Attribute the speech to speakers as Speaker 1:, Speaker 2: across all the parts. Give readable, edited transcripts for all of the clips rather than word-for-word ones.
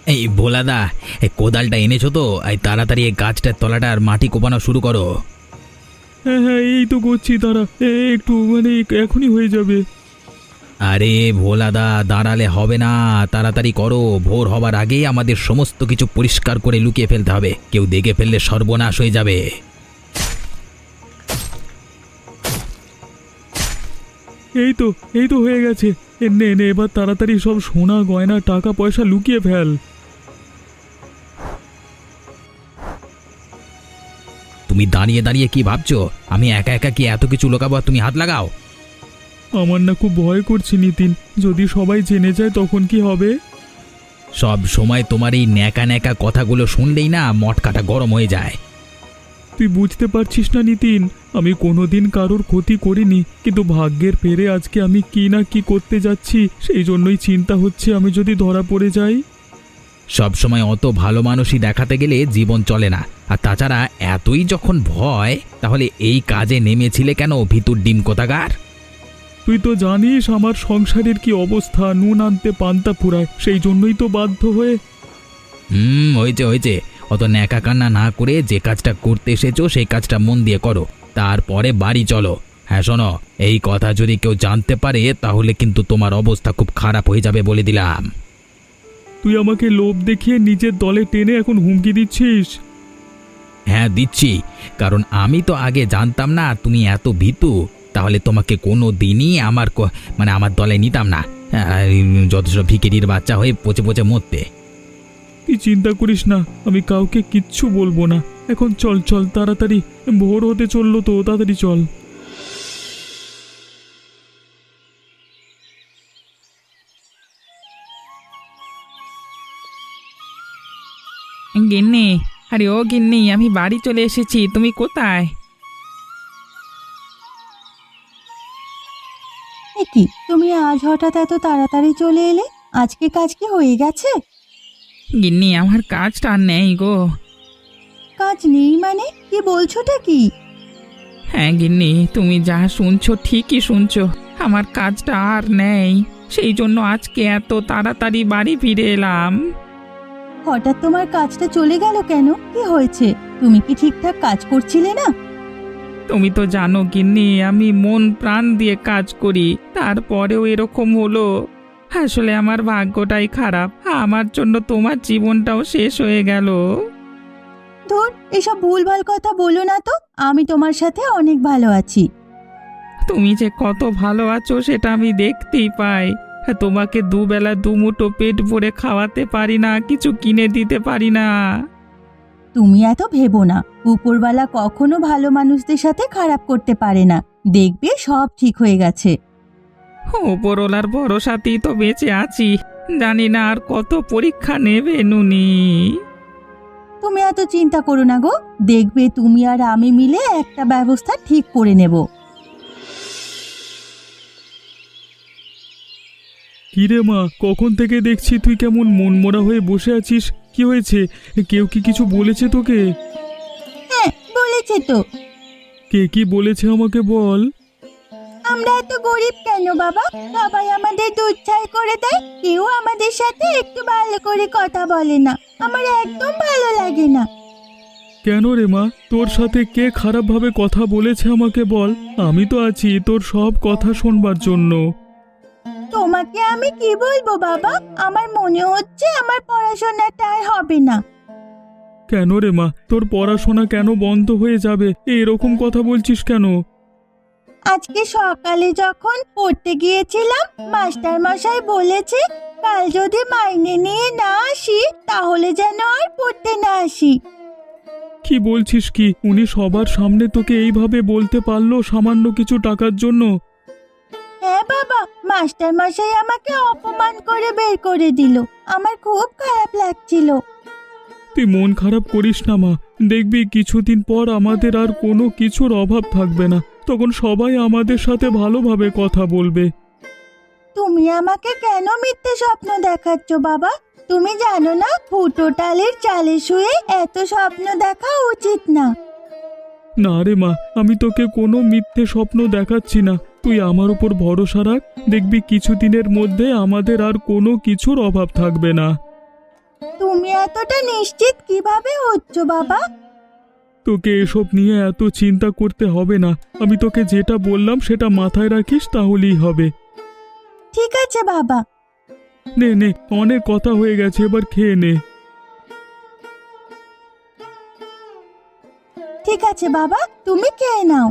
Speaker 1: এই ভোলাদা, এই কোদালটা এনেছো তো? এই তাড়াতাড়ি এই গাছটার তলাটার মাটি কোপানো শুরু করো।
Speaker 2: হ্যাঁ হ্যাঁ, এই তো করছি, তারা একটু এখনই হয়ে যাবে।
Speaker 1: আরে ভোলাদা, দাঁড়ালে হবে না, তাড়াতাড়ি করো। ভোর হবার আগেই আমাদের সমস্ত কিছু পরিষ্কার করে লুকিয়ে ফেলতে হবে, কেউ দেখে ফেললে সর্বনাশ হয়ে যাবে।
Speaker 2: এই তো হয়ে গেছে। নে নে, এবার তাড়াতাড়ি সব সোনা গয়না টাকা পয়সা লুকিয়ে ফেল।
Speaker 1: তুমি দাঁড়িয়ে দাঁড়িয়ে কি ভাবছো? আমি একা একা কি এত কিছু লুকাবো? তুমি হাত লাগাও।
Speaker 2: আমার না খুব ভয় করছে নিতিন, যদি সবাই জেনে যায় তখন কি হবে?
Speaker 1: সব সময় তোমার এই ন্যাকা ন্যাকা কথাগুলো শুনলেই না মটকাটা গরম হয়ে যায়।
Speaker 2: তুই বুঝতে পারছিস না নিতিন, আমি কোনোদিন কারোর ক্ষতি করিনি, কিন্তু ভাগ্যের ফেরে আজকে আমি কি না কি করতে যাচ্ছি, সেই জন্যই চিন্তা হচ্ছে আমি যদি ধরা পড়ে যাই।
Speaker 1: সব সময় অত ভালো মানুষই দেখাতে গেলে জীবন চলে না। আর তাছাড়া এতই যখন ভয়, তাহলে এই কাজে নেমেছিলে কেন, ভিতুর ডিম কোথাকার?
Speaker 2: তুই তো জানিস আমার সংসারের কি অবস্থা, নুন আনতে পান্তা ফুরায়, সেই জন্যই তো বাধ্য হয়ে।
Speaker 1: হয়েছে হয়েছে, অত ন্যাকা কান্না না করে যে কাজটা করতে এসেছো সেই কাজটা মন দিয়ে করো, তারপরে বাড়ি চলো। হ্যাঁ শোনো, এই কথা যদি কেউ জানতে পারে তাহলে কিন্তু তোমার অবস্থা খুব খারাপ হয়ে যাবে বলে দিলাম।
Speaker 2: তুই আমাকে লোভ দেখিয়ে নিজের দলে টেনে এখন হুমকি দিচ্ছিস?
Speaker 1: হ্যাঁ দিচ্ছি, কারণ আমি তো আগে জানতাম না তুমি এত ভীতু, তাহলে তোমাকে কোনো দিনই আমার দলে নিতাম না। যথেষ্ট ভিখিরির বাচ্চা হয়ে পচে পচে মরতে।
Speaker 2: তুই চিন্তা করিস না, আমি কাউকে কিচ্ছু বলবো না। এখন চল চল তাড়াতাড়ি, ভোর হতে চললো তো, তাড়াতাড়ি চল।
Speaker 3: গিন্নি, আরে ও গিন্নি, আমি বাড়ি চলে এসেছি, তুমি কোথায়?
Speaker 4: এ কি, তুমি আজ হঠাৎ এত তাড়াতাড়ি চলে এলে? আজকে কাজ কি হয়ে গেছে?
Speaker 3: গিন্নি, আমার কাজটা আর নেই গো।
Speaker 4: কাজ নেই মানে কি বলছোটা কি?
Speaker 3: হ্যাঁ গিন্নি, তুমি যা শুনছো ঠিকই শুনছো, আমার কাজটা আর নেই, সেই জন্য আজকে এত তাড়াতাড়ি বাড়ি ফিরে এলাম।
Speaker 4: হঠাৎ তোমার কাজটা চলে গেল কেন? কি হয়েছে? তুমি কি ঠিকঠাক কাজ করছিলে না?
Speaker 3: তুমি তো জানো গিন্নি, আমি মন প্রাণ দিয়ে কাজ করি, তারপরেও এরকম হলো। আসলে আমার ভাগ্যটাই খারাপ, আমার জন্য তোমার জীবনটাও শেষ হয়ে গেল।
Speaker 4: ধুর, এসব ভুলভাল কথা বলো না তো, আমি তোমার সাথে অনেক ভালো আছি।
Speaker 3: তুমি যে কত ভালো আছো সেটা আমি দেখতেই পাই। তোমাকে দুবেলা দুমুঠো পেট ভরে খাওয়াতে পারি না, কিছু কিনে দিতে পারি না।
Speaker 4: তুমি এত ভেবো না, উপরওয়ালা কখনো ভালো মানুষদের সাথে খারাপ করতে পারে না। দেখবে সব ঠিক হয়ে গেছে।
Speaker 3: ওপরওয়ালার ভরসাতেই তো বেঁচে আছি, জানি না আর কত পরীক্ষা নেবে নুনি।
Speaker 4: তুমি এত চিন্তা করো না গো, দেখবে তুমি আর আমি মিলে একটা ব্যবস্থা ঠিক করে নেব।
Speaker 2: কিরে মা, কখন থেকে দেখছি তুই কেমন মনমরা হয়ে বসে আছিস? কি হয়েছে? কেউ কি কিছু বলেছে তোকে?
Speaker 4: হ্যাঁ বলেছে তো।
Speaker 2: কে কি বলেছে আমাকে বল।
Speaker 4: আমরা এত গরিব কেন বাবা, সবাই আমাদের দুধ ছাই করে দেয়, কেউ আমাদের সাথে একটু ভালো করে কথা বলে না। আমার একদম ভালো লাগে না।
Speaker 2: কেন রে মা, তোর সাথে কে খারাপভাবে কথা বলেছে আমাকে বল, আমি তো আছি তোর সব কথা শোনবার জন্য।
Speaker 4: তোমাকে আমি কি বলবো বাবা, আমার মনে হচ্ছে আমার পড়াশোনাটা আর হবে না।
Speaker 2: কেন রে মা, তোর পড়াশোনা কেন বন্ধ হয়ে যাবে? এরকম কথা বলছিস কেন?
Speaker 4: আজকে সকালে যখন পড়তে গিয়েছিলাম, মাস্টার মশাই বলেছে কাল যদি মাইনে নিয়ে না আসি তাহলে যেন আর পড়তে না আসি।
Speaker 2: কি বলছিস কি? উনি সবার সামনে তোকে এইভাবে বলতে পারলো সামান্য কিছু টাকার জন্য?
Speaker 4: হ্যাঁ বাবা, মাস্টার মশাই আমাকে অপমান করে বের করে দিল। আমার খুব খারাপ লাগছিল।
Speaker 2: তুই মন খারাপ করিস না মা, দেখবি কিছুদিন পর আমাদের আর কোনো কিছুর অভাব থাকবে না, তখন সবাই আমাদের সাথে ভালোভাবে কথা বলবে।
Speaker 4: তুমি আমাকে কেন মিথ্যে স্বপ্ন দেখাচ্ছ বাবা? তুমি জানো না ফুটো ডালের চালে শুয়ে এত স্বপ্ন দেখা উচিত না।
Speaker 2: না রে মা, আমি তোকে কোনো মিথ্যে স্বপ্ন দেখাচ্ছি না, তুই আমার উপর ভরসা রাখ, দেখবি কিছুদিনের মধ্যে আমাদের আর কোনো কিছুর অভাব থাকবে না।
Speaker 4: তুমি এতটা নিশ্চিত কিভাবে হচ্ছ বাবা?
Speaker 2: তোকে এসব নিয়ে এত চিন্তা করতে হবে না। আমি তোকে যেটা বললাম সেটা মাথায় রাখিস, তাহলেই হবে।
Speaker 4: ঠিক আছে বাবা।
Speaker 2: নে নে, অনেক কথা হয়ে গেছে, এবার খেয়ে নে।
Speaker 4: ঠিক আছে বাবা, তুমি খেয়ে নাও।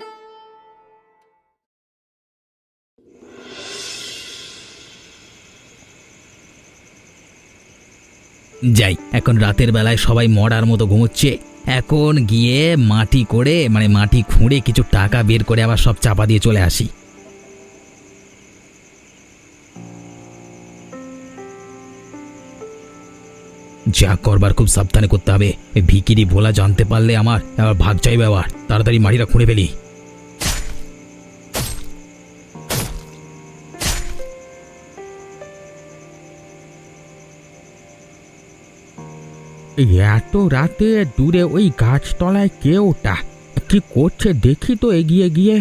Speaker 1: যাই, এখন রাতের বেলায় সবাই মরার মতো ঘুমোচ্ছে। এখন গিয়ে মাটি করে মানে মাটি খুঁড়ে কিছু টাকা বের করে আবার সব চাপা দিয়ে চলে আসি। যা করবার খুব সাবধানে করতে হবে। এই ভিকিরি ভোলা জানতে পারলে আমার আবার ভাগ চাইবে। আবার তাড়াতাড়ি মাটিটা খুঁড়ে ফেলি।
Speaker 5: এত রাতে দূরে ওই গাছতলায় কে ওটা? কি করছে দেখি তো এগিয়ে গিয়ে।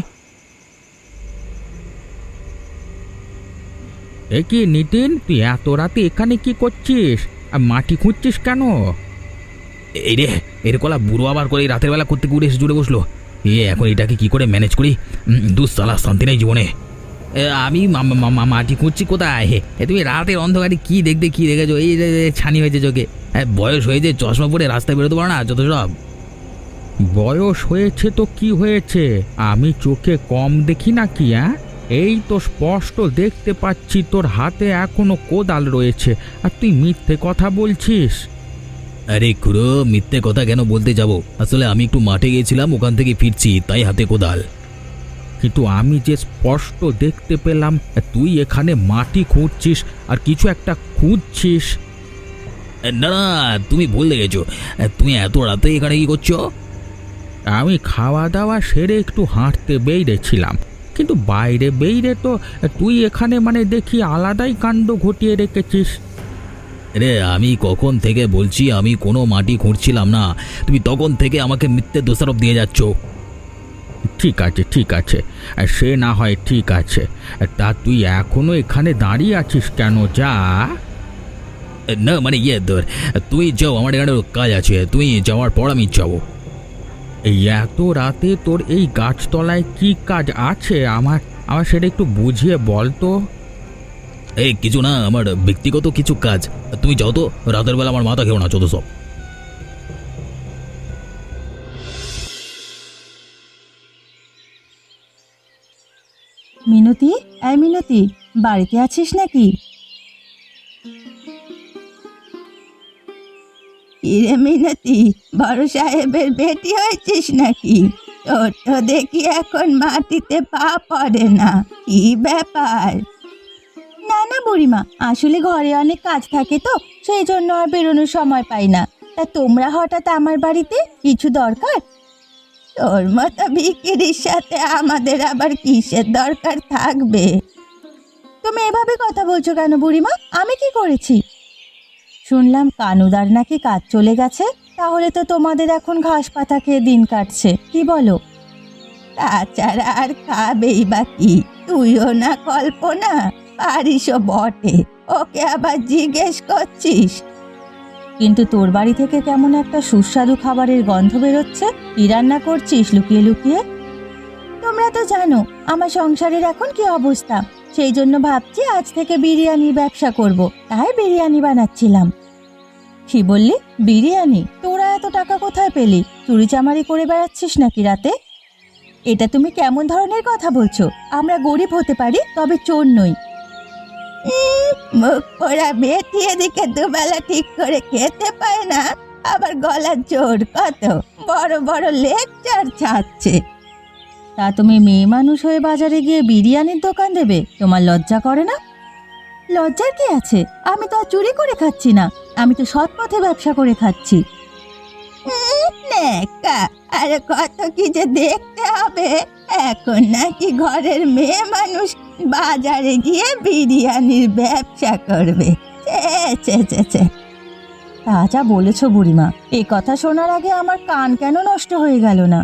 Speaker 5: এ কি নিতিন, তুই এত রাতে এখানে কি করছিস? আর মাটি খুঁজছিস কেন?
Speaker 1: এই রে, এর কলা বুড়ো আবার করে এই রাতের বেলা করতে ঘুরে এসে জুড়ে বসলো। এখন এটাকে কি করে ম্যানেজ করি? দুঃসালা, শান্তি নেই জীবনে। আমি মাটি খুঁজছি কোথায়? তুমি রাতের অন্ধকারে কি দেখেছো? এই ছানি হয়েছে চোখে। বয়স হয়েছে, চশমা পরে রাস্তায় বেরোতে পারো না যত সব।
Speaker 5: বয়স হয়েছে তো কি হয়েছে? আমি চোখে কম দেখি নাকি? এই তো স্পষ্ট দেখতে পাচ্ছি তোর হাতে এখনো কোদাল রয়েছে, আর তুই মিথ্যে কথা বলছিস।
Speaker 1: আরে খুড়ো, মিথ্যে কথা কেন বলতে যাব? আসলে আমি একটু মাঠে গিয়েছিলাম, ওখান থেকে ফিরছি, তাই হাতে কোদাল।
Speaker 5: কিন্তু আমি যে স্পষ্ট দেখতে পেলাম তুই এখানে মাটি খুঁড়ছিস আর কিছু একটা খুঁজছিস।
Speaker 1: না না, তুমি ভুল দেখেছো। তুমি এত রাতে এখানে কি করছো?
Speaker 5: আমি খাওয়া দাওয়া সেরে একটু হাঁটতে বেরিয়েছিলাম, কিন্তু বাইরে বেরিয়ে তো তুই এখানে মানে দেখি আলাদাই কাণ্ড ঘটিয়ে রেখেছিস।
Speaker 1: রে, আমি কখন থেকে বলছি আমি কোনো মাটি খুঁড়ছিলাম না, তুমি তখন থেকে আমাকে মিথ্যে দোষারোপ দিয়ে যাচ্ছ।
Speaker 5: ঠিক আছে ঠিক আছে, সে না হয় ঠিক আছে, তা তুই এখনো এখানে দাঁড়িয়ে আছিস কেন? যা।
Speaker 1: না মানে তোর, তুই যাও, আমার এখানে কাজ আছে, তুই যাওয়ার পর আমি যাবো।
Speaker 5: এই এত রাতে তোর এই গাছতলায় কি কাজ আছে? আমার আমার সেটা একটু বুঝিয়ে বল তো।
Speaker 1: এই কিছু না, আমার ব্যক্তিগত কিছু কাজ। তুমি যাও তো, রাতের বেলা আমার মাথা খেও না যত সব।
Speaker 4: মিনতি, এই মিনতি, বাড়িতে আছিস নাকি? কিরে মিনতি, বড় সাহেবের বেটি হয়েছিস নাকি? তোর তো দেখি এখন মাটিতে পা পড়ে না, কি ব্যাপার? না না বুড়িমা, আসলে ঘরে অনেক কাজ থাকে তো, সেই জন্য আর বেরোনোর সময় পাই না। তা তোমরা হঠাৎ আমার বাড়িতে, কিছু দরকার? তোর মতো ভিখিরির সাথে আমাদের আবার কিসের দরকার থাকবে? তুমি এভাবে কথা বলছো কেন বুড়িমা? আমি কি করেছি? শুনলাম কানুদার নাকি কাজ চলে গেছে, তাহলে তো তোমাদের এখন ঘাস পাতা খেয়ে দিন কাটছে, কি বলো? তাছাড়া আর খাবেই বা কি? তুইও না কল্পনা, পারিসও বটে, ওকে আবার জিজ্ঞেস করছিস? কিন্তু তোর বাড়ি থেকে কেমন একটা সুস্বাদু খাবারের গন্ধ বেরোচ্ছে। কি রান্না করছিস লুকিয়ে লুকিয়ে? তোমরা তো জানো আমার সংসারের এখন কি অবস্থা, সেই জন্য ভাবছি আজ থেকে বিরিয়ানির ব্যবসা করব, তাই বিরিয়ানি বানাচ্ছিলাম। কি বললি? বিরিয়ানি? তোরা এত টাকা কোথায় পেলি? চুরি চামারি করে বেড়াচ্ছিস নাকি রাতে? এটা তুমি কেমন ধরনের কথা বলছো? আমরা গরিব হতে পারি, তবে চোর নই। মুখ পোড়া বেটি এদিকে দুবেলা ঠিক করে খেতে পায় না, আবার গলার জোর কত, বড় বড় লেকচার ছাড়ছে। তা তুমি মেয়ে মানুষ হয়ে বাজারে গিয়ে বিরিয়ানির দোকান দেবে? তোমার লজ্জা করে না? লজ্জার কি আছে? আমি তো আর চুরি করে খাচ্ছি না, আমি তো সৎ পথে ব্যবসা করে খাচ্ছি। আর কত কি যে দেখতে হবে, এখন নাকি ঘরের মেয়ে মানুষ বাজারে গিয়ে বিরিয়ানির ব্যবসা করবে? তা যা বলেছ বুড়িমা, এই কথা শোনার আগে আমার কান কেন নষ্ট হয়ে গেল না?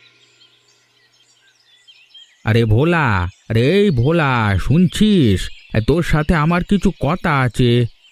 Speaker 5: আরে ভোলা, আরে এই ভোলা, শুনছিস? তোর সাথে আমার কিছু কথা আছে।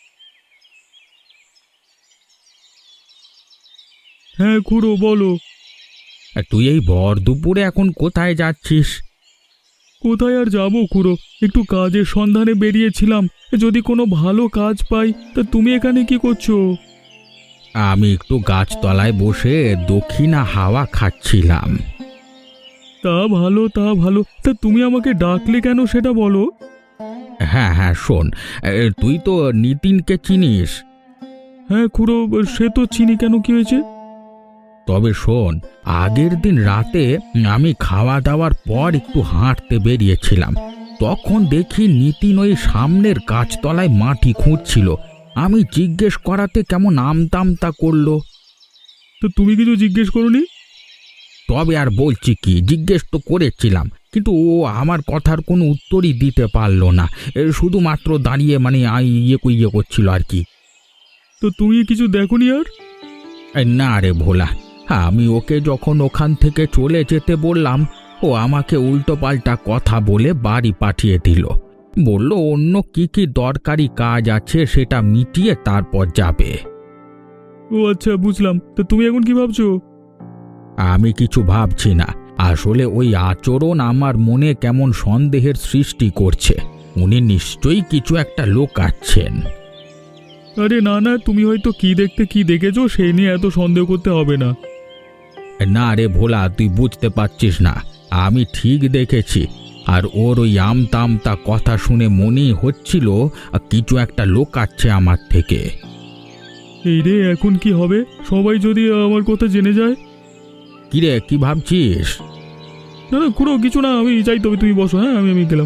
Speaker 2: হ্যাঁ খুড়ো বলো।
Speaker 5: তুই এই ভর দুপুরে এখন কোথায় যাচ্ছিস?
Speaker 2: কোথায় আর যাবো খুড়ো, একটু কাজের সন্ধানে বেরিয়েছিলাম। যদি কোনো ভালো কাজ পাই। তা তুমি এখানে কি করছো?
Speaker 5: আমি একটু গাছতলায় বসে দক্ষিণা হাওয়া খাচ্ছিলাম।
Speaker 2: তা ভালো তা ভালো, তা তুমি আমাকে ডাকলে কেন সেটা বলো।
Speaker 5: হ্যাঁ হ্যাঁ শোন, তুই তো নিতিনকে চিনিস।
Speaker 2: হ্যাঁ খুড়ো, সে তো চিনি, কেন কি হয়েছে?
Speaker 5: তবে শোন, আগের দিন রাতে আমি খাওয়া দাওয়ার পর একটু হাঁটতে বেরিয়েছিলাম। তখন দেখি নিতিন ওই সামনের গাছতলায় মাটি খুঁড়ছিল। আমি জিজ্ঞেস করাতে কেমন আমতামতা করলো।
Speaker 2: তো তুমি কিছু জিজ্ঞেস করোনি?
Speaker 5: তবে আর বলছি কি, জিজ্ঞেস তো করেছিলাম, কিন্তু ও আমার কথার কোনো উত্তরই দিতে পারলো না। শুধুমাত্র দাঁড়িয়ে মানে ইয়ে করছিল আর কি।
Speaker 2: তো তুমি কিছু দেখোনি আর?
Speaker 5: না রে ভোলা, আমি ওকে যখন ওখান থেকে চলে যেতে বললাম, ও আমাকে উল্টোপাল্টা কথা বলে বাড়ি পাঠিয়ে দিল। বলল অন্য কি কি দরকারি কাজ আছে সেটা মিটিয়ে তারপর যাবে।
Speaker 2: ও আচ্ছা, বুঝলাম। তা তুমি এখন কি ভাবছো?
Speaker 5: আমি কিছু ভাবছি না, আসলে ওই আচরণ আমার মনে কেমন সন্দেহের সৃষ্টি করছে। উনি নিশ্চয়ই কিছু একটা লুকাচ্ছেন।
Speaker 2: আরে না না, তুমি হয়তো কি দেখতে কি দেখেছো সেই নিয়ে এত সন্দেহ করতে হবে না।
Speaker 5: না রে ভোলা, তুই বুঝতে পারছিস না, আমি ঠিক দেখেছি। আর ওর ওই আমতামতা কথা শুনে মনেই হচ্ছিল কিছু একটা লুকাচ্ছে আমার থেকে।
Speaker 2: এই রে, এখন কি হবে? সবাই যদি আমার কথা জেনে যায়?
Speaker 5: কিরে, কি ভাবছিস?
Speaker 2: না না খুড়ো, কিছু না, আমি যাই, তবে তুমি বসো। হ্যাঁ, আমি গেলাম।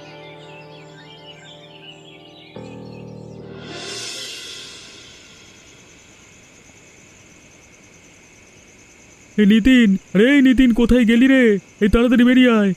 Speaker 2: এই নিতিন, রে নিতিন, কোথায় গেলি রে? এই তাড়াতাড়ি বেরিয়ে আয়।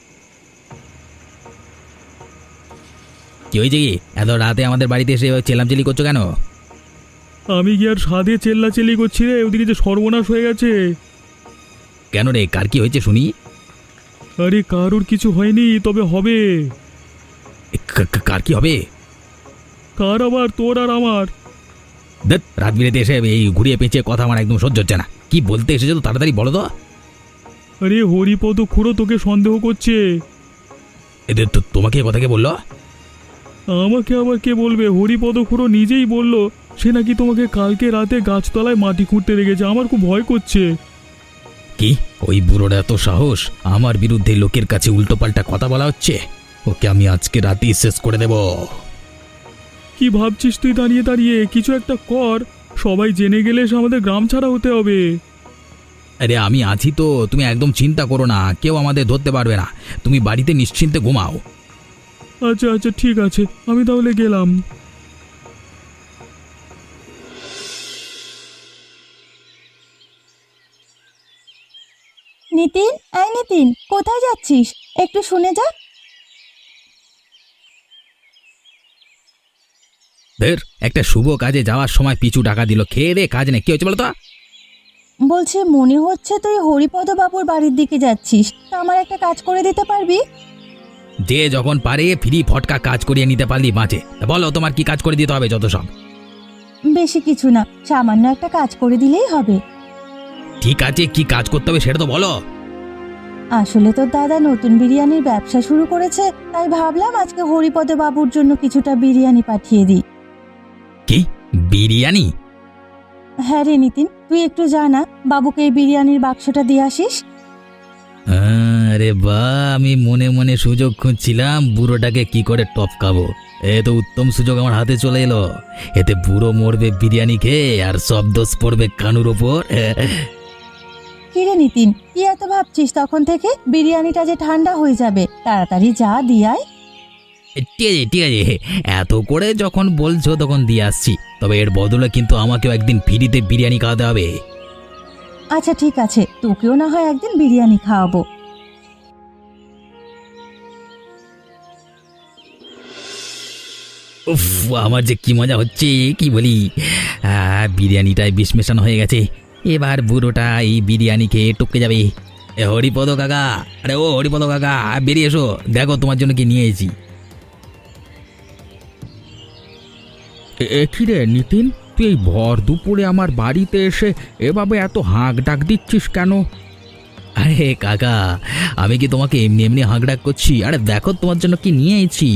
Speaker 1: কি হয়েছে কি? এত রাতে আমাদের বাড়িতে এসে চেল্লামচেল্লি করছো কেন?
Speaker 2: আমি কি আর সাধে চেল্লাচেল্লি করছি রে? ওদিকে যে সর্বনাশ হয়ে গেছে।
Speaker 1: কেন রে, কার কি হয়েছে শুনি?
Speaker 2: আরে কারোর কিছু হয়নি, তবে হবে।
Speaker 1: কার কি হবে?
Speaker 2: কার আবার? তোর আর আমার।
Speaker 1: দেখ, রাত বিরেতে এসে এই ঘুরিয়ে পেঁচিয়ে কথা আমার একদম সহ্য হচ্ছে না। কি বলতে এসেছো তো তাড়াতাড়ি বলো তো।
Speaker 2: আরে হরিপদ খুড়ো তোকে সন্দেহ করছে।
Speaker 1: এদের তো তোমাকে কথা কে বললো?
Speaker 2: আমাকে আবার কে বলবে? হরিপদ খুড়ো নিজেই বলল সে নাকি তোমাকে কালকে রাতে গাছতলায় মাটি খুঁড়তে লেগেছে। আমার খুব ভয় করছে।
Speaker 1: কি ওই বুড়োর এত সাহস? আমার বিরুদ্ধে লোকের কাছে উল্টোপাল্টা কথা বলা হচ্ছে। ওকে আমি আজকে রাতেই শেষ করে দেব।
Speaker 2: কি ভাবছিস তুই দাঁড়িয়ে দাঁড়িয়ে? কিছু একটা কর, সবাই জেনে গেলে সে আমাদের গ্রাম ছাড়া হতে হবে।
Speaker 1: আরে আমি আছি তো, তুমি একদম চিন্তা করো না, কেউ আমাদের ধরতে পারবে না। তুমি বাড়িতে নিশ্চিন্তে ঘুমাও।
Speaker 2: আচ্ছা আচ্ছা, ঠিক আছে, আমি তাহলে গেলাম।
Speaker 4: নিতিন, এই নিতিন, কোথায় যাচ্ছিস? একটু শুনে যা।
Speaker 1: ধের, একটা শুভ কাজে যাওয়ার সময় পিছু টাকা দিল, খেয়ে দে কাজ নেই। কি হচ্ছে বলো তো?
Speaker 4: বলছি মনে হচ্ছে তুই হরিপদ বাবুর বাড়ির দিকে যাচ্ছিস। তা আমার একটা কাজ করে দিতে পারবি?
Speaker 1: যে যখন পারে ফ্রি ফটকা কাজ করিয়ে নিতে পারলি বাঁচে। তা বলো তোমার কি কাজ করে দিতে হবে? যত সব।
Speaker 4: বেশি কিছু না, সামান্য একটা কাজ করে দিলেই হবে।
Speaker 1: ঠিক আছে, কি কাজ করতে হবে সেটা তো বলো।
Speaker 4: আসলে তোর দাদা নতুন বিরিয়ানির ব্যবসা শুরু করেছে, তাই ভাবলাম আজকে হরিপদ বাবুর জন্য কিছুটা বিরিয়ানি পাঠিয়ে দিই।
Speaker 1: কি বিরিয়ানি?
Speaker 4: হ্যাঁ রে নিতিন, তুই একটু জানা বাবুকে এই বিরিয়ানির বাক্সটা দিয়ে আসিস।
Speaker 1: আরে বা, আমি মনে মনে সুযোগ খুঁজছিলাম বুড়োটাকে কি করে টপকাবো। এ তো উত্তম সুযোগ আমার হাতে চলে এলো। এতে বুড়ো মরবে বিরিয়ানি খেয়ে, আর সব দোষ পড়বে কানুর ওপর।
Speaker 4: কি রে নিতিন, কি এত ভাবছিস তখন থেকে? বিরিয়ানিটা যে ঠান্ডা হয়ে যাবে, তাড়াতাড়ি যা দিয়াই।
Speaker 1: ঠিক আছে ঠিক আছে, এত করে যখন বলছো তখন দিয়ে আসছি। তবে এর বদলে কিন্তু আমাকেও একদিন ফ্রিতে বিরিয়ানি খাওয়াতে হবে।
Speaker 4: আচ্ছা ঠিক আছে, তোকেও না হয় একদিন বিরিয়ানি খাওয়াবো।
Speaker 1: উফ, আমার যে কি মজা হচ্ছে কি বলি। বিরিয়ানিটায় বিষ মেশানো হয়ে গেছে। এবার বুড়োটা এই বিরিয়ানি খেয়ে টপকে যাবে। এ হরিপদ কাকা, আরে ও হরিপদ কাকা, বেরিয়ে এসো, দেখো তোমার জন্য কি নিয়ে এসেছি।
Speaker 5: কি রে নিতিন, তুই এই ভর দুপুরে আমার বাড়িতে এসে এভাবে এত হাঁক ডাক দিচ্ছিস কেন?
Speaker 1: আরে কাকা, আমি কি তোমাকে এমনি এমনি হাঁকডাক করছি? আরে দেখো তোমার জন্য কি নিয়ে এসেছি।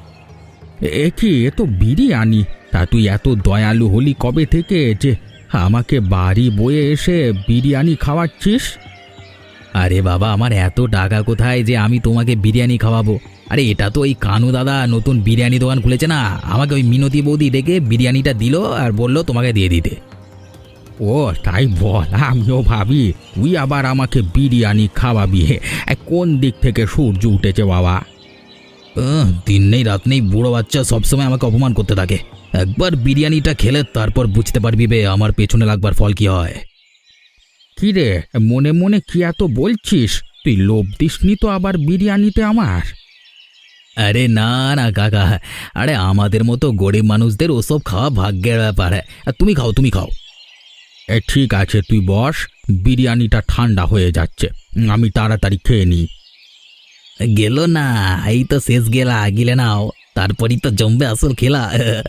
Speaker 5: এ তো বিরিয়ানি। তা তুই এত দয়ালু হলি কবে থেকে যে আমাকে বাড়ি বয়ে এসে বিরিয়ানি খাওয়াচ্ছিস?
Speaker 1: আরে বাবা, আমার এত টাকা কোথায় যে আমি তোমাকে বিরিয়ানি খাওয়াবো? আরে এটা তো ওই কানু দাদা নতুন বিরিয়ানি দোকান খুলেছে না, আমাকে ওই মিনতি বৌদি ডেকে বিরিয়ানিটা দিল আর বলল তোমাকে দিয়ে দিতে।
Speaker 5: ও তাই বল, আমিও ভাবি তুই আবার আমাকে বিরিয়ানি খাওয়াবি। কোন দিক থেকে সূর্য উঠেছে বাবা?
Speaker 1: দিন নেই রাত নেই বুড়ো বাচ্চা সবসময় আমাকে অপমান করতে থাকে। একবার বিরিয়ানিটা খেলে তারপর বুঝতে পারবি বে আমার পেছনে লাগবার ফল কি হয়।
Speaker 5: কি রে, মনে মনে কি এত বলছিস? তুই লোভ দিসনি তো আবার বিরিয়ানিতে আমার?
Speaker 1: আরে না না কাকা, আরে আমাদের মতো গরিব মানুষদের ওসব খাওয়া ভাগ্যের ব্যাপার। আর তুমি খাও, তুমি খাও।
Speaker 5: ঠিক আছে, তুই বস, বিরিয়ানিটা ঠান্ডা হয়ে যাচ্ছে, আমি তাড়াতাড়ি খেয়ে নিই।
Speaker 1: গেল না, এই তো শেষ গেলা, গিলে নাও, তারপরই তো জমবে আসল খেলা।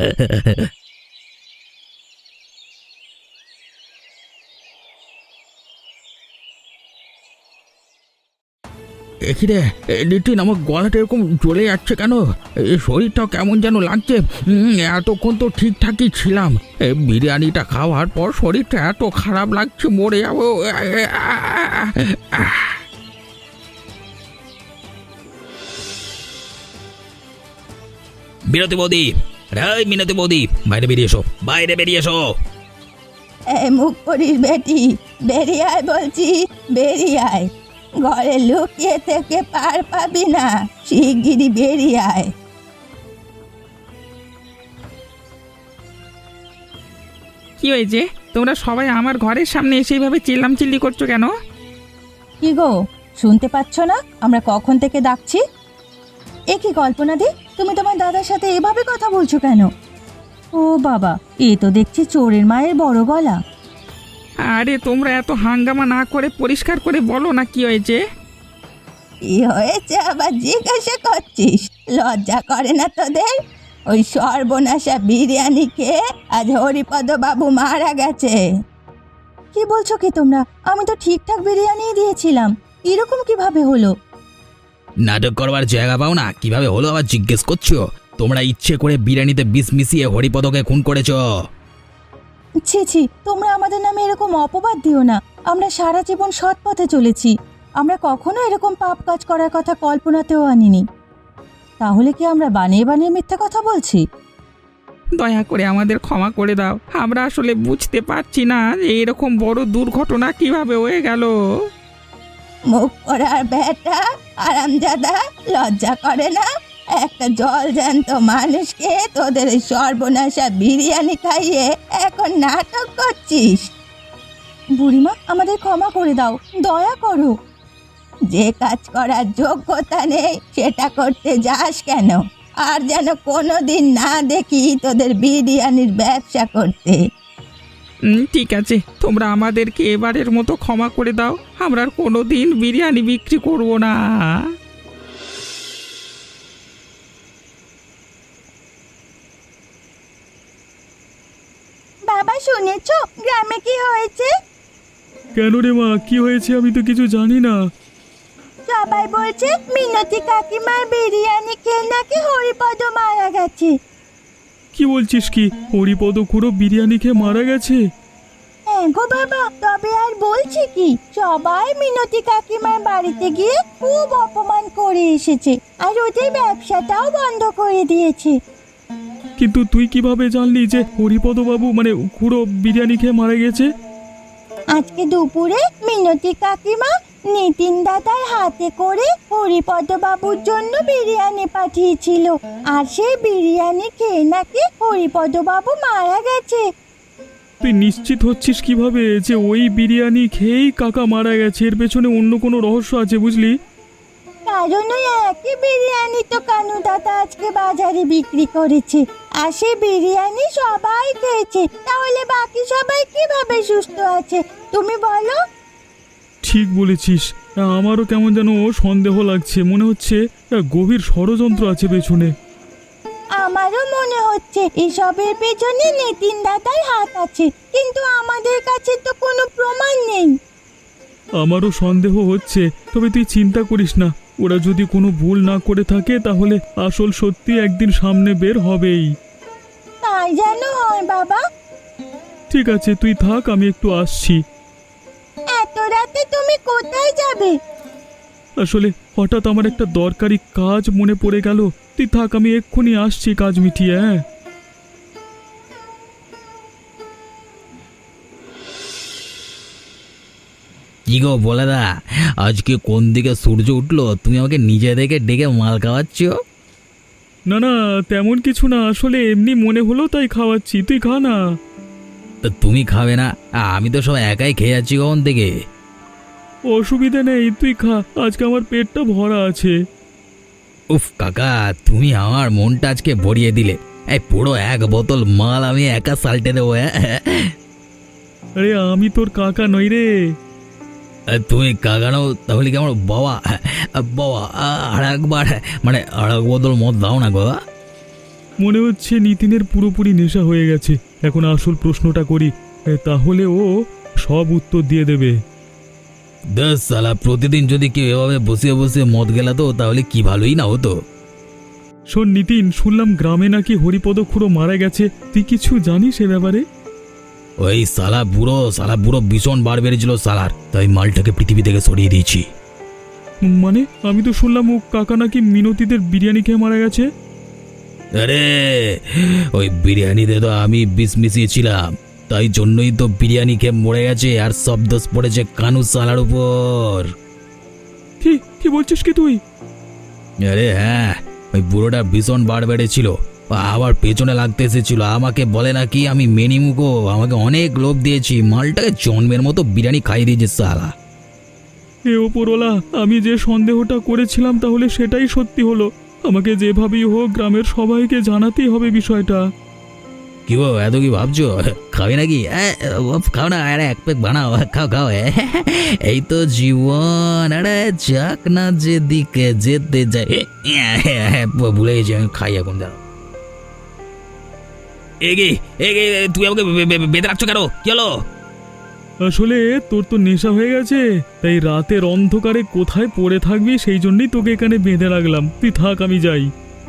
Speaker 5: কি রে নিতিন, আমার গলাটা এরকম জ্বলে যাচ্ছে কেন? শরীরটাও কেমন যেন লাগছে। এতক্ষণ তো ঠিকঠাকই ছিলাম, বিরিয়ানিটা খাওয়ার পর শরীরটা এত খারাপ লাগছে, মরে যাবো।
Speaker 1: মিনতি বৌদি, রে মিনতি বৌদি, বাইরে বেরিয়ে এসো, বাইরে বেরিয়ে এসো।
Speaker 4: মুখ করিস বেটি, বেরিয়ে আয় বলছি, বেরিয়ে আয়। ঘরে লুকিয়ে থেকে পার পাবি না, শিগগিরই বেরিয়ে আয়।
Speaker 3: কি হয়েছে? তোমরা সবাই আমার ঘরের সামনে এসে এইভাবে চিল্লামচিল্লি করছো কেন?
Speaker 4: কি গো, শুনতে পাচ্ছ না আমরা কখন থেকে ডাকছি? এ কি কল্পনা দি, তুমি তোমার দাদার সাথে এভাবে কথা বলছো কেন? ও বাবা, এ তো দেখছি চোরের মায়ের বড় গলা।
Speaker 3: আরে তোমরা এত হাঙ্গামা না করে পরিষ্কার করে বলো না কি হয়েছে।
Speaker 4: কি হয়েছে আবার জিজ্ঞাসা করছিস? লজ্জা করে না তোদের? ওই সর্বনাশা বিরিয়ানি খেয়ে আজ হরিপদ বাবু মারা গেছে। কি বলছো কি তোমরা? আমি তো ঠিকঠাক বিরিয়ানি দিয়েছিলাম, এরকম কিভাবে হলো?
Speaker 1: নাটক করবার জায়গা পাও না, কিভাবে হলো আবার জিজ্ঞেস করছো? তোমরা ইচ্ছে করে বিরিয়ানিতে বিষ মিশিয়ে হরিপদকে খুন করেছো।
Speaker 4: ছি ছি, তোমরা আমাদের নামে এরকম অপবাদ দিও না। আমরা সারা জীবন সৎ পথে চলেছি, আমরা কখনো এরকম পাপ কাজ করার কথা কল্পনাতেও আনিনি। তাহলে কি আমরা বানিয়ে বানিয়ে মিথ্যা কথা বলছি?
Speaker 3: দয়া করে আমাদের ক্ষমা করে দাও, আমরা আসলে বুঝতে পারছি না যে এরকম বড় দুর্ঘটনা কিভাবে হয়ে গেল।
Speaker 4: মুখ করার বেটা আরামজাদা, লজ্জা করে না? একটা জল জ্যান্ত মানুষকে তোদের এই সর্বনাশা বিরিয়ানি খাইয়ে এখন নাটক করছিস। বুড়িমা, আমাদের ক্ষমা করে দাও, দয়া করো। যে কাজ করার যোগ্যতা নেই সেটা করতে যাস কেন? আর যেন কোনোদিন না দেখি তোদের বিরিয়ানির ব্যবসা করতে।
Speaker 3: ঠিক আছে, তোমরা আমাদেরকে এবারের মতো ক্ষমা করে দাও, আমরা আর কোনোদিন বিরিয়ানি বিক্রি করব না।
Speaker 4: বাবা, শুনেছো গ্রামে কি হয়েছে?
Speaker 2: কেন রে মা, কি হয়েছে? আমি তো কিছু জানি না।
Speaker 4: সবাই বলছে মিনতি কাকিমার বিরিয়ানি খেয়ে নাকি হরিপদ মারা গেছে।
Speaker 2: কি বলছিস কি? হরিপদ খুড়ো বিরিয়ানি খেয়ে মারা গেছে?
Speaker 4: হ্যাঁ গো বাবা, তবে আর বলছি কি, সবাই মিনতি কাকিমার বাড়িতে গিয়ে খুব অপমান করে এসেছে, আর ওদের ব্যবসাটাও বন্ধ করে দিয়েছে।
Speaker 2: কিন্তু তুই কিভাবে জানলি যে হরিপদ বাবু মানে খুড়ো বিরিয়ানি খেয়ে মারা গেছে?
Speaker 4: আজকে দুপুরে মিনতি কাকিমা নিতিন দাদার হাতে করে হরিপদ বাবুর জন্য বিরিয়ানি পাঠিয়েছিল, আর সেই বিরিয়ানি খেয়ে নাকি হরিপদ বাবু মারা গেছে।
Speaker 2: তুই নিশ্চিত হচ্ছিস কিভাবে যে ওই বিরিয়ানি খেয়েই কাকা মারা গেছে? এর পেছনে অন্য কোনো রহস্য আছে বুঝলি?
Speaker 4: কারণ ওই একই বিরিয়ানি তো কানু দাদা আজকে বাজারে বিক্রি করেছে, আর সেই বিরিয়ানি সবাই খেয়েছে, তাহলে বাকি সবাই কিভাবে সুস্থ আছে তুমি বলো?
Speaker 2: ঠিক বলেছিস, আমারও কেমন যেন সন্দেহ লাগছে, মনে হচ্ছে গভীর ষড়যন্ত্র আছে পেছনে।
Speaker 4: আমারও মনে হচ্ছে এসবের পেছনে নিতিন দাদার হাত আছে, কিন্তু আমাদের কাছে তো কোনো প্রমাণ নেই।
Speaker 2: আমারও সন্দেহ হচ্ছে, তবে তুই চিন্তা করিস না, ওরা যদি কোনো ভুল না করে থাকে তাহলে আসল সত্যি একদিন সামনে বের হবেই।
Speaker 4: তাই যেন হয় বাবা।
Speaker 2: ঠিক আছে, তুই থাক, আমি একটু আসছি।
Speaker 4: এত রাতে তুমি কোথায় যাবে?
Speaker 2: আসলে হঠাৎ আমার একটা দরকারি কাজ মনে পড়ে গেল। তুই থাক, আমি এক্ষুনি আসছি কাজ মিটিয়ে। হ্যাঁ,
Speaker 1: কি গো বলে দা, আজকে কোন দিকে সূর্য উঠলো তুমি আমাকে নিজে থেকে ডেকে মাল খাওয়াচ্ছ?
Speaker 2: না না, তেমন কিছু না, আসলে এমনি মনে হলো তাই খাওয়াচ্ছি, তুই খা না।
Speaker 1: তা তুমি খাবে না? আমি তো সব একাই খেয়ে যাচ্ছি কখন থেকে।
Speaker 2: অসুবিধা নেই, তুই খা, আজকে আমার পেটটা ভরা আছে।
Speaker 1: উফ কাকা, তুমি আমার মনটা আজকে ভরিয়ে দিলে। এই পুরো এক বোতল মাল আমি একা সাল্টে দেবো।
Speaker 2: আরে আমি তোর কাকা নই রে।
Speaker 1: তুমি কাকা নাও তাহলে কি আমার বাবা? বাবা, আর একবার মানে আর এক বোতল মদ দাও না গো।
Speaker 2: মনে হচ্ছে নিতিনের পুরোপুরি নেশা হয়ে গেছে। এখন আসল প্রশ্নটা করি, তাহলে ও সব উত্তর দিয়ে দেবে।
Speaker 1: দশ সালা, প্রতিদিন যদি কেউ এভাবে বসিয়ে বসিয়ে মদ গেলাতো তাহলে কি ভালোই না হতো।
Speaker 2: শোন নিতিন, শুনলাম গ্রামে নাকি হরিপদ খুড়ো মারা গেছে, তুই কিছু জানিস এ ব্যাপারে?
Speaker 1: ওই সালা বুড়ো ভীষণ বার বেড়েছিল সালার, তাই মালটাকে পৃথিবী থেকে সরিয়ে দিয়েছি।
Speaker 2: মানে আমি তো শুনলাম ও কাকা নাকি মিনতিদের বিরিয়ানি খেয়ে মারা গেছে।
Speaker 1: আরে ওই বিরিয়ানিতে তো আমি বিষ মিশিয়েছিলাম, তাই জন্যই তো বিরিয়ানি খেয়ে মরে গেছে। আর সব দোষ পড়েছে কানু সালার উপর।
Speaker 2: কি কি বলছিস কি তুই?
Speaker 1: আরে হ্যাঁ, ওই বুড়োটা ভীষণ বার বেড়েছিল, আবার পেছনে লাগতে এসেছিল। আমাকে বলে নাকি আমি মেনিমুখো, আমাকে অনেক লোভ দিয়েছি, মালটাকে জন্মের মতো বিরিয়ানি খাইয়ে দিয়েছে সালা।
Speaker 2: এ ওপরওয়ালা, আমি যে সন্দেহটা করেছিলাম তাহলে সেটাই সত্যি হলো। আমাকে যেভাবেই হোক গ্রামের সবাইকে জানাতেই হবে বিষয়টা।
Speaker 1: কি গো, এত কি ভাবছো? খাবে নাকি? খাও না, আরে এক প্যাক বানাও, খাও খাও। এই তো জীবন, আরে যাক না যেদিকে যেতে যায়। ভুলে গেছি, আমি খাই এখন। দাঁড়াও, তুই আমাকে বেঁধে রাখছো কেন? কি হলো?
Speaker 2: আসলে তোর তো নেশা হয়ে গেছে, তাই রাতের অন্ধকারে কোথায় পড়ে থাকবি সেই জন্যই তোকে এখানে বেঁধে রাখলাম। তুই থাক, আমি যাই।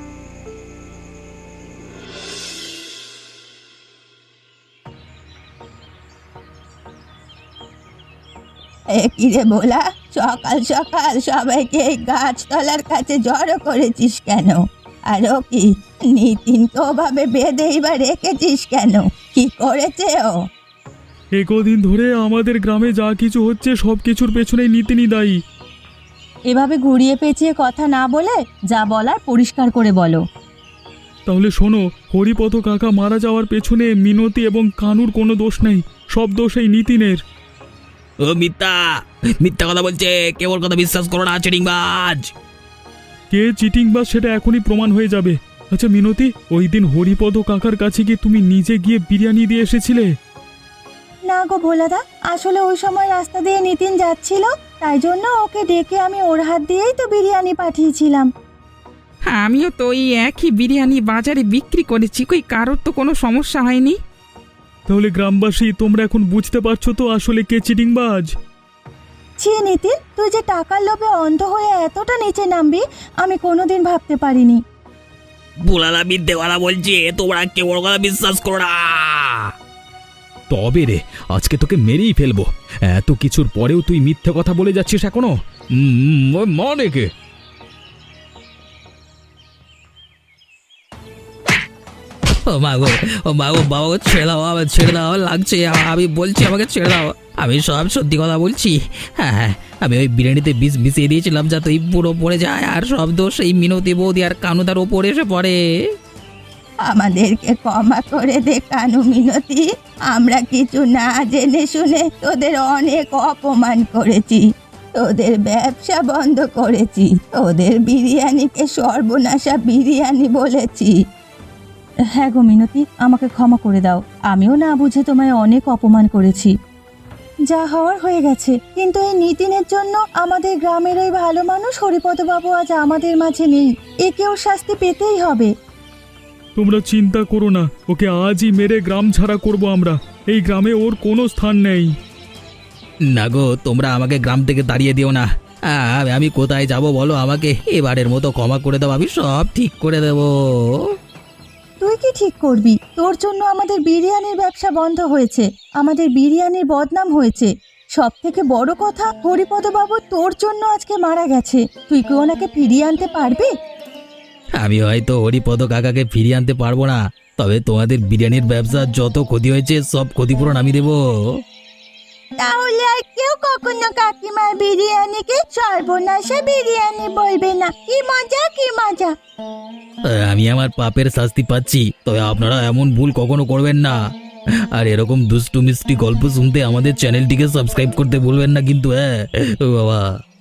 Speaker 4: কিরে বলা, সকাল সকাল সবাইকে এই গাছতলার কাছে জড়ো করেছিস কেন? আর ও কি, নিতিনকে ওভাবে বেঁধেই বা রেখেছিস কেন? কি করেছে ও?
Speaker 2: কদিন ধরে আমাদের গ্রামে যা কিছু হচ্ছে সব কিছুর পেছনেই নিতিনই দায়ী।
Speaker 4: এভাবে ঘুরিয়ে পেঁচিয়ে কথা না বলে যা বলার পরিষ্কার করে বলো।
Speaker 2: তাহলে শোনো, হরিপদ কাকা মারা যাওয়ার পেছনে মিনতি এবং কানুর কোনো দোষ নেই, সব দোষ এই নিতিনের।
Speaker 1: ও মিথ্যা কথা বলছে, কেবল কথা বিশ্বাস করো না, চিটিংবাজ।
Speaker 2: কে চিটিং বা সেটা এখনই প্রমাণ হয়ে যাবে। আচ্ছা মিনতি, ওই দিন হরিপদ কাকার কাছে গিয়ে তুমি নিজে গিয়ে বিরিয়ানি দিয়ে এসেছিলে?
Speaker 4: না গো ভোলাদা, আসলে ওই সময় রাস্তা দিয়ে নিতিন যাচ্ছিল, তাই জন্য ওকে ডেকে আমি ওর হাত দিয়েই তো বিরিয়ানি পাঠিয়েছিলাম।
Speaker 3: আমিও তো ওই একই বিরিয়ানি বাজারে বিক্রি করেছি, কই কারোর তো কোনো সমস্যা হয়নি।
Speaker 2: তাহলে গ্রামবাসী, তোমরা এখন বুঝতে পারছো তো আসলে কে চিটিংবাজ?
Speaker 4: ছি নিতিন, তুই যে টাকার লোভে অন্ধ হয়ে এতটা নিচে নামবি আমি কোনোদিন ভাবতে পারিনি।
Speaker 1: বুলালা মিথ্যে কথা বলছে, তোমরা কেবল কথা বিশ্বাস করো না।
Speaker 2: তবে রে, আজকে তোকে মেরেই ফেলবো। এত কিছুর পরেও তুই মিথ্যে কথা বলে যাচ্ছিস এখনো? মানে কে?
Speaker 1: ও মা গো বাবা গো, ছেড়ে দাও, আমার ছেড়ে দাও, লাগছে। আমি বলছি আমাকে ছেড়ে দাও, আমি সব সত্যি কথা বলছি। হ্যাঁ, আমি ওই বিরিয়ানিতে বিষ মিশিয়ে দিয়েছিলাম যাতে ওই পুরো পড়ে যায়, আর সব দোষ এই মিনতি বৌদি আর কানুদার ওপরে এসে পড়ে।
Speaker 4: আমাদেরকে ক্ষমা করে দে কানু মিনতি, আমরা কিছু না জেনে শুনে তোদের অনেক অপমান করেছি, তোদের ব্যবসা বন্ধ করেছি, তোদের বিরিয়ানিকে সর্বনাশা বিরিয়ানি বলেছি। হ্যাঁ গো মিনতি, আমাকে ক্ষমা করে দাও, আমিও না বুঝে তোমায় অনেক অপমান করেছি। যা হওয়ার হয়ে গেছে, কিন্তু এই নিতিনের জন্য আমাদের গ্রামের ওই ভালো মানুষ হরিপদ বাবু আজ আমাদের মাঝে নেই, একেও শাস্তি পেতেই হবে।
Speaker 2: তোমরা চিন্তা করো না, ওকে আজই মেরে গ্রাম ছাড়া করব আমরা। এই গ্রামে ওর কোনো স্থান নেই।
Speaker 1: না গো, তোমরা আমাকে গ্রাম থেকে তাড়িয়ে দিও না। আমি কোথায় যাব বলো আমাকে? এবারের মতো ক্ষমা করে দাও, আমি সব ঠিক করে দেবো।
Speaker 4: তুই কি ঠিক করবি? তোর জন্য আমাদের বিরিয়ানির ব্যবসা বন্ধ হয়েছে, আমাদের বিরিয়ানির বদনাম হয়েছে। সব থেকে বড় কথা, হরিপদ বাবু তোর জন্য আজকে মারা গেছে। তুই কি ওনাকে ফিরিয়ে আনতে পারবি?
Speaker 1: আমি হয়তো হরিপদ কাকাকে ফিরিয়ে আনতে পারবো না, তবে তোমাদের বিরিয়ানির ব্যবসার যত ক্ষতি হয়েছে সব ক্ষতিপূরণ আমি দেবো।
Speaker 4: তাহলে আর কেউ কখনো কাকিমার বিরিয়ানিকে সর্বনাশা বিরিয়ানি বলবে না। কি মজা, কি মজা!
Speaker 1: আমি আমার পাপের শাস্তি পাচ্ছি, তবে আপনারা এমন ভুল কখনো করবেন না। আর এরকম দুষ্টু মিষ্টি গল্প শুনতে আমাদের চ্যানেলটিকে সাবস্ক্রাইব করতে ভুলবেন না কিন্তু। হ্যাঁ ও বাবা।